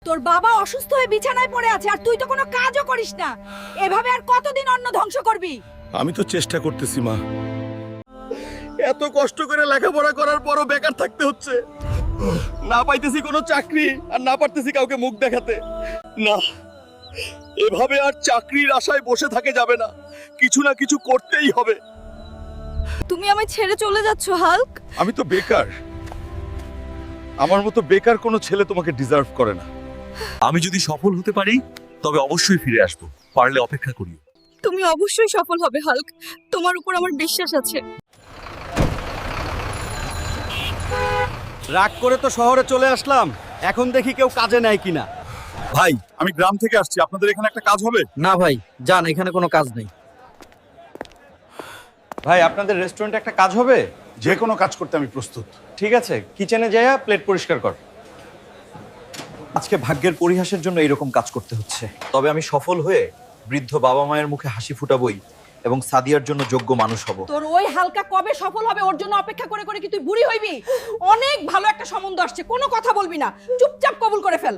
তোর বাবা অসুস্থ হয়ে বিছানায় পড়ে আছে আর তুই তো কোনো কাজও করিস না। এভাবে আর কতদিন অন্ন ধ্বংস করবি? আমি তো চেষ্টা করতেছি মা, এত কষ্ট করে লেখাপড়া করার পরও বেকার থাকতে হচ্ছে। না পাইতেছি কোনো চাকরি আর না পারতেছি কাউকে মুখ দেখাতে। না, এভাবে আর চাকরির আশায় বসে থাকে যাবে না, কিছু না কিছু করতেই হবে। তুমি আমায় ছেড়ে চলে যাচ্ছ হাল্ক? আমি তো বেকার, আমার মতো বেকার কোনো ছেলে তোমাকে ডিজার্ভ করে না। আমি যদি সফল হতে পারি তবে অবশ্যই ফিরে আসবো, পারলে অপেক্ষা করিও। তুমি অবশ্যই সফল হবে হাল্ক, তোমার উপর আমার বিশ্বাস আছে। রাগ করে তো শহরে চলে আসলাম, এখন দেখি কেউ কাজে নেয় কিনা। ভাই, আমি গ্রাম থেকে আসছি, আপনাদের এখানে একটা কাজ হবে? না ভাই, যান, এখানে কোনো কাজ নেই। ভাই, আপনাদের রেস্টুরেন্টে একটা কাজ হবে? যে কোনো কাজ করতে আমি প্রস্তুত। ঠিক আছে, কিচেনে যাইয়া প্লেট পরিষ্কার কর। আজকে ভাগ্যের পরিহাসের জন্য এরকম কাজ করতে হচ্ছে, তবে আমি সফল হয়ে বৃদ্ধ বাবা মায়ের মুখে হাসি ফুটাবই এবং সাদিয়ার জন্য যোগ্য মানুষ হব। তোর ওই হালকা কবে সফল হবে ওর জন্য অপেক্ষা করে করে কি তুই বুড়ি হইবি? অনেক ভালো একটা সম্বন্ধ আসছে, কোনো কথা বলবি না, চুপচাপ কবুল করে ফেল।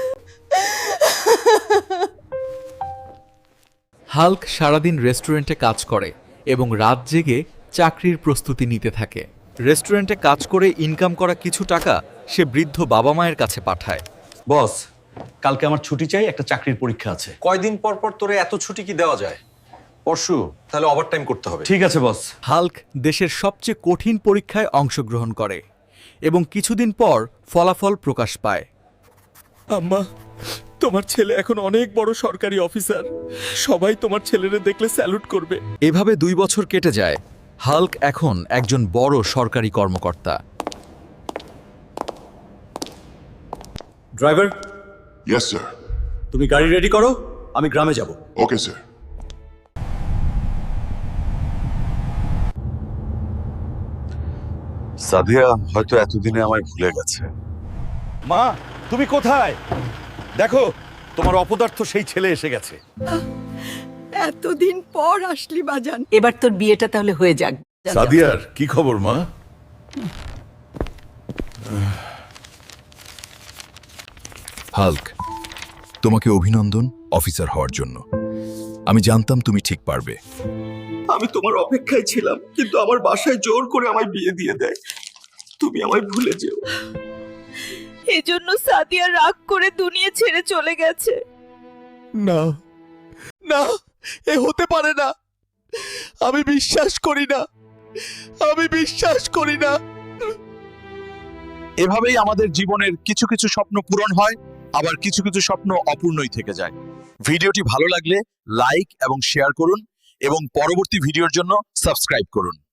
হাল্ক সারাদিন রেস্টুরেন্টে কাজ করে এবং রাত জেগে চাকরির প্রস্তুতি নিতে থাকে। রেস্টুরেন্টে কাজ করে ইনকাম করা কিছু টাকা সে বৃদ্ধ বাবা মায়ের কাছে পাঠায়। বস, কালকে আমার ছুটি চাই, একটা চাকরির পরীক্ষা আছে। কয়দিন পর পর তোরে এত ছুটি কি দেওয়া যায়? পরশু। তাহলে ওভারটাইম করতে হবে। ঠিক আছে বস। হাল্ক দেশের সবচেয়ে কঠিন পরীক্ষায় অংশগ্রহণ করে এবং কিছুদিন পর ফলাফল প্রকাশ পায়। আম্মা, তোমার ছেলে এখন অনেক বড় সরকারি অফিসার, সবাই তোমার ছেলেরে দেখলে স্যালুট করবে। এভাবে 2 বছর কেটে যায়। হাল্ক এখন একজন বড় সরকারি কর্মকর্তা। Driver, Yes, sir. তুমি গাড়ি রেডি করো, আমি গ্রামে যাব। Okay, sir. সাদিয়া হয়তো এতদিনে আমায় ভুলে গেছে। মা, তুমি কোথায়? দেখো, তোমার অপদার্থ সেই ছেলে এসে গেছে। এতদিন পর আসলি বাজান। এবার তোর বিয়েটা তাহলে হয়ে যাক। সাদিয়ার কি খবর মা? হাল্ক, তোমাকে অভিনন্দন অফিসার হওয়ার জন্য। আমি জানতাম তুমি ঠিক পারবে। আমি তোমার অপেক্ষায় ছিলাম, কিন্তু আমার বাসায় জোর করে আমায় বিয়ে দিয়ে দেয়। তুমি আমায় ভুলে যেও। এজন্য সাদিয়া রাগ করে দুনিয়া ছেড়ে চলে গেছে। না না, এ হতে পারে না। আমি বিশ্বাস করি না, আমি বিশ্বাস করি না। এভাবেই আমাদের জীবনের কিছু কিছু স্বপ্ন পূরণ হয়, আবার কিছু কিছু স্বপ্ন অপূর্ণই থেকে যায়। ভিডিওটি ভালো লাগলে লাইক এবং শেয়ার করুন এবং পরবর্তী ভিডিওর জন্য সাবস্ক্রাইব করুন।